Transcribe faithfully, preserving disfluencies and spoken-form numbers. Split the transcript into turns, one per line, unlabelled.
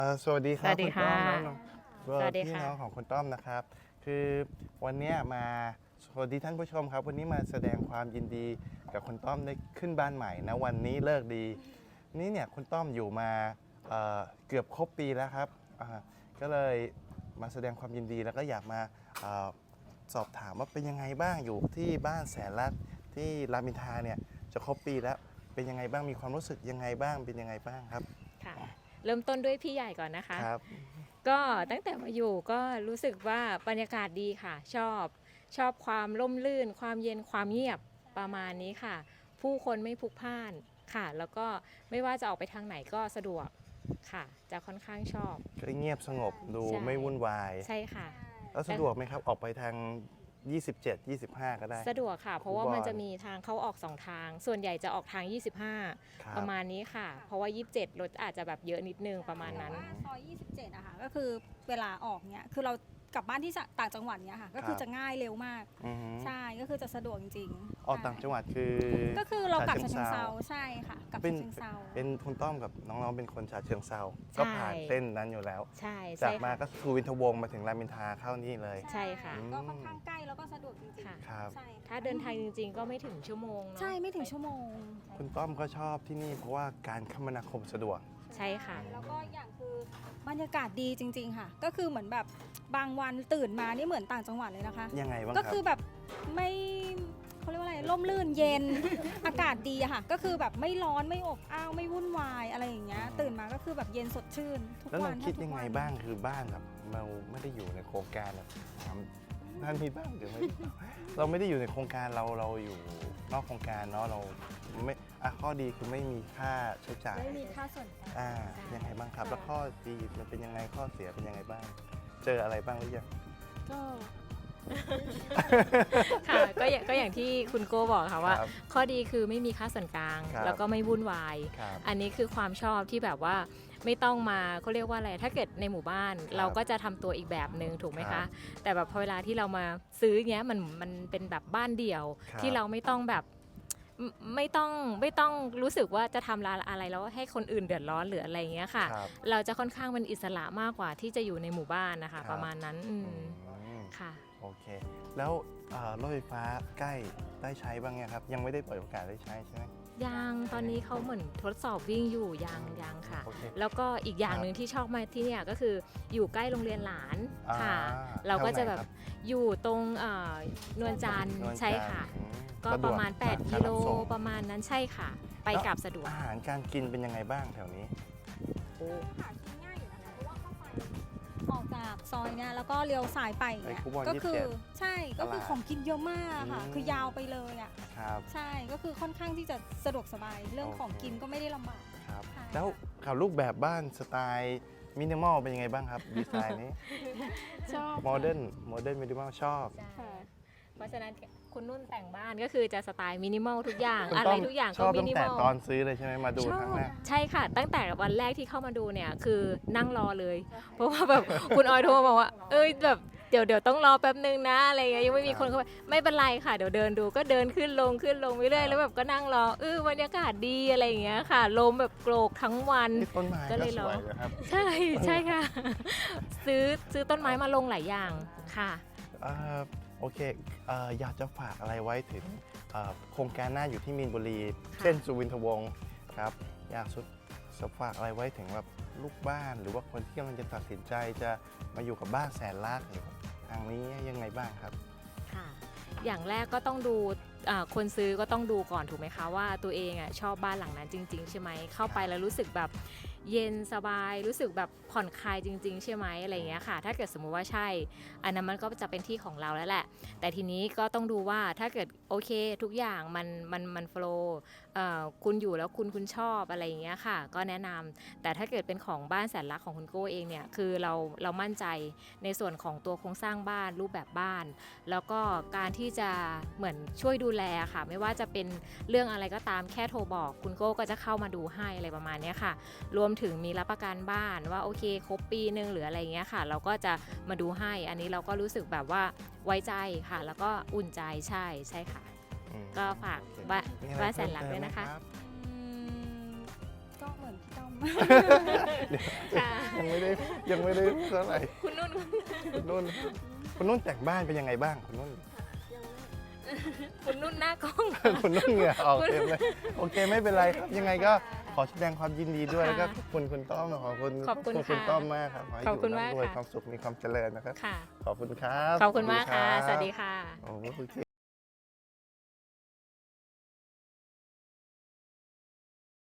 เอ่อสวัสดีค
ส
รับ
วัสดี
คุณ
ค่ะ
ต้อมน้องๆ
สวัสดี
พี่
ค่ะ
น้องของคุณต้อมนะครับ คือวันเนี้ยมาสวัสดีท่านผู้ชมครับ วันนี้มาแสดงความยินดีกับคุณต้อมได้ขึ้นบ้านใหม่นะวันนี้เลิกดี นี่เนี่ยคุณต้อมอยู่มาเอ่อเกือบครบปีแล้วครับอ่าก็เลยมาแสดงความยินดีแล้วก็อยากมาเอ่อสอบถามว่าเป็นยังไงบ้างอยู่ที่บ้านแสนรัตน์ที่รามอินทราเนี่ยจะครบปีแล้วเป็นยังไงบ้างมีความรู้สึกยังไงบ้างเป็นยังไงบ้างครับ
ค่ะเริ่มต้นด้วยพี่ใหญ่ก่อนนะคะ
ครับ
ก็ตั้งแต่มาอยู่ก็รู้สึกว่าบรรยากาศดีค่ะ ชอบชอบความร่มรื่น ความเย็นความเงียบประมาณนี้ค่ะ ผู้คนไม่พลุกพล่านค่ะ แล้วก็ไม่ว่าจะออกไปทางไหนก็สะดวกค่ะ จะค่อนข้างชอบ
ก็เงียบสงบดู
ใช่
ไม่วุ่นวาย
ใช่ค่ะ
แล้วสะดวกไหมครับ ออกไปทาง ยี่สิบเจ็ด ยี่สิบห้า ก็ได้
สะดวกค่ะ เพราะว่า
อุบล
มันจะมีทางเข้าออกสองทาง ส่วนใหญ่จะออกทาง ยี่สิบห้า
ครับ
ประมาณนี้ค่ะ เพราะว่า ยี่สิบเจ็ด รถอาจจะแบบเยอะนิดนึงประมาณนั้น
ว่าซอย ยี่สิบเจ็ดอะค่ะ ก็คือเวลาออกเนี้ย คือเรากลับบ้านที่ต่างจังหวัดเนี้ยค่ะ ก็คือจะง่ายเร็วมาก
อือฮึ
ใช่ ก็คือจะสะดวกจริงๆ
ออกต่างจังหวัดคือ
ก็คือเรากลับ
ฉะ
ฉะ
เชิ
เชิ
ง
ง
เทรา
เซาใช่ค่ะ กลับ
เป็น
ฉะเชิงเซา
เป็นคุณต้อมกับน้องๆเป็นคนฉะเชิงเซาก็ผ่านเส้นนั้นอยู่แล้ว
ใช่
จา
ใช่
กมา
ค่ะ
ก็ทูวินทวงศ์มาถึงรามอินทราเข้านี่เลย
ใช่ค่ะ
ก็ค่อนข้างใกล้แล้วก็สะดวกจริง
ค่ะ
ๆ
ครับ
ใช่
ถ้าเดินทางจริงๆ ก็ไม่ถึงชั่วโมงเนาะ
ใช่ไม่ถึงชั่วโมง
คุณต้อมก็ชอบที่นี่เพราะว่าการคมนาคมสะดวก
ใช่ค่ะ
แล้วก็อย่างคือบรรยากาศดีจริง ๆ ค่ะ ก็คือเหมือนแบบบางวันตื่นมานี่เหมือนต่างจังหวัดเลยนะคะ
ยังไงบ้าง
ก็
ครั
คื
บ
อแบบไม่เขาเรียกว่าอะไรร่มรื่นเย็น อากาศดีอะค่ะ ก็คือแบบไม่ร้อนไม่อบอ้าวไม่วุ่นวายอะไรอย่างเงี้ยตื่นมาก็คือแบบเย็นสดชื่นทุก
แล้ว
วั
เรา
น
คิด
ทุก
ยังไง
วัน
บ้างคือบ้านแบบเราไม่ได้อยู่ในโครงการแบบถามท่านมีบ้างหรือไม่ เราไม่ได้อยู่ในโครงการเราเราอยู่นอกโครงการเนาะเราไม่อ่ะข้อดีคือไม่มีค่าใช้จ่าย
ไม่มีค่าส่วนกลาง
อ่า
ใช่
ยังไงบ้างครับ
ค่ะ
แล้วข้อดีมันเป็นยังไงข้อเสียเป็นยังไงบ้าง เจออะไรบ้างหรือยัง
ก็
ค่ะ ก็อย่างก็อย่างที่คุณโก้บอกค่ะว่า
ครับ
ข้อดีคือไม่มีค่าส่วนกลาง
ครับ
แล้วก็ไม่วุ่นวาย
ครับ
อันนี้คือความชอบที่แบบว่าไม่ต้องมาเขาเรียกว่าอะไร ถ้าเกิดในหมู่บ้าน
ครับ
เราก็จะทำตัวอีกแบบหนึ่งถูกไหม
ครั
คะ
บ
แต่แบบพอเวลาที่เรามาซื้อเงี้ยมันมันเป็นแบบบ้านเดี่ยว
ครับ
ที่เราไม่ต้องแบบไม่ไม่ต้องไม่ต้องรู้สึกว่าจะทำอะไรแล้วให้คนอื่นเดือดร้อนหรืออะไรเงี้ยค่ะ
ครับ
เราจะค่อนข้างเป็นอิสระมากกว่าที่จะอยู่ในหมู่บ้านนะ
ครั
คะ
บ
ประมาณนั้นอืม
อืม
ค่ะ
โอเค แล้วเอ่อรถไฟฟ้าใกล้ได้ใช้บ้างยังครับ ยังไม่ได้เปิดโอกาสได้ใช้ใช่ไหม
ยังตอนนี้เขาเหมือนทดสอบวิ่งอยู่ยังยังค่ะ
โอเค
แล้วก็อีกอย่าง
ครับ
หนึ่งที่ชอบมาที่เนี่ยก็คืออยู่ใกล้โรงเรียนหลานค่ะ
อ่
เราก็จะ
แถวไหน
แบบ
ครับ
อยู่ตรงเอ่อนวลจันทร์
นวลจันทร์
ใช่ค่ะ
อืม
ก็
สดว
ประมาณ แปด
ก
กิโล
รับส่ง
ประมาณนั้นใช่ค่ะ ไป
แล้ว
กลับสะดวก
อาหารการกินเป็นยังไงบ้างแถวนี้
หากินง่ายอยู่นะคะเพราะว่าเข้าไปออกจากซอยเนี่ยแล้วก็เลี้ยวซ้ายไป
ไป
เนี่ย
คูบอน
ก็คื
ยี่สิบเจ็ด
ใช่ก็คือ
ตลาด
ของกินเยอะมากค่ะ
อืม
คือยาวไปเลยอ่ะ
ครับ
ใช่ก็คือค่อนข้างที่จะสะดวกสบายเรื่อง
โอเค
ของกินก็ไม่ได้ลำบาก
ครับ
ค่ะ
แล้วข่าวรูปแบบบ้านสไตล์มินิมอลเป็นยังไงบ้างครับ ดีไซน์นี้
ชอบ
โมเดิร์นโมเดิร์นมินิมอลชอบ
เพราะฉะนั้นคุณนุ่นแต่งบ้านก็คือจะสไตล์มินิมอลทุกอย่าง
คุณ
อะไร
ต้ม
ทุกอย่าง
ช
ก็
อบ
มิ
ตั้ง
นิม
แต่
อล
ตอนซื้อเลยใช่ไหมมาดู
ช
ครั้ง
อบ
แรก
ใช่ค่ะ ตั้งแต่วันแรกที่เข้ามาดูเนี่ยคือนั่งรอเลย เพราะว่าแบบ คุณออยโทรมาบอกว่า เอ้ยแบบเดี๋ยวเดี๋ยวต้องรอแป๊บนึงนะอะไรเงี้ยยังไม่มีคนเข้าไปไม่เป็นไรค่ะเดี๋ยวเดินดูก็เดินขึ้นลงขึ้นลงไปเรื่อยแล้วแบบก็นั่งรอเออบรรยากาศดีอะไรอย่างเงี้ยค่ะลมแบบโกรกทั้งวัน
ที่ต้นไม้
ก็
ก็
เลย
ส
รอ
วยนะครับ
ใช่ใช่ค่ะ ซื้อซื้อต้นไม้มาลงหลายอย่างค่ะ
เอ่อโอเคเอ่ออยากจะฝากอะไรไว้ถึงเอ่อโครงการหน้าอยู่ที่มีนบุรี
ค่ะ
เส้นสุวินทวงศ์ครับอยากสุดจะฝากอะไรไว้ถึงแบบลูกบ้าน หรือว่าคนที่กำลังจะตัดสินใจจะมาอยู่กับบ้านแสนรักอยู่กับทางนี้ยังไงบ้างครับ
ค่ะ อย่างแรกก็ต้องดูอ่าคนซื้อก็ต้องดูก่อนถูกไหมคะว่าตัวเองอ่ะชอบบ้านหลังนั้นจริง ๆ ใช่ไหมเข้าไปแล้วรู้สึกแบบเย็นสบายรู้สึกแบบผ่อนคลายจริง ๆ ใช่ไหมอะไรอย่างเงี้ยค่ะ ถ้าเกิดสมมุติว่าใช่ อันนั้นมันก็จะเป็นที่ของเราแล้วแหละ แต่ทีนี้ก็ต้องดูว่าถ้าเกิดโอเคทุกอย่างมันมันมันโฟล์คุณอยู่แล้วคุณคุณชอบอะไรอย่างเงี้ยค่ะ ก็แนะนำแต่ถ้าเกิดเป็นของบ้านแสนรักของคุณโก้เองเนี่ยคือเราเรามั่นใจในส่วนของตัวโครงสร้างบ้านรูปแบบบ้าน แล้วก็การที่จะเหมือนช่วยดูแลค่ะ ไม่ว่าจะเป็นเรื่องอะไรก็ตามแค่โทรบอกคุณโก้ก็จะเข้ามาดูให้อะไรประมาณเนี้ยค่ะ รวมถึงมีรับประกันบ้านว่าโอเคครบปีนึงหรืออะไรเงี้ยค่ะ เราก็จะมาดูให้อันนี้เราก็รู้สึกแบบว่าไว้ใจค่ะ แล้วก็อุ่นใจใช่ใช่ค่ะ
อืม
ก็ฝาก
โอเค
บ้าน
มีอะไร
บ้านแสน
เพิ่ม
รัก
เติม
ด้วย
ไหม
นะคะ
รับ
อืมก็เหมือนพี่ต้อม
ค่ะ
ยังไม่ได้ยังไม่ได้เท่าไหร่
คุณนุ่น
คุณนุ่นคุณนุ่นแต่งบ้านเป็นยังไงบ้างคุณนุ่น
คุณนุ่นหน้ากล้อง
คุณนุ่นเหงื่อออกเต็มเลยโอเคไม่เป็นไรครับยังไงก็ขอแสดงความยินดีด้วย
ค่ะ
แล้วก็ขอบคุณคุณต้อมขอบคุณ
ขอบคุณ
คุณ
ค่ะ
ต้อมมากครับขอให้
ขอบคุณ
ยู่
มาก
ร่ำรวย
ค่ะ
ความสุขมีความเจริญนะครับ
ค่ะ
ขอบคุณครับ
ขอบคุณมากค่ะ
รับ
สวัสดีค่ะ
โอเค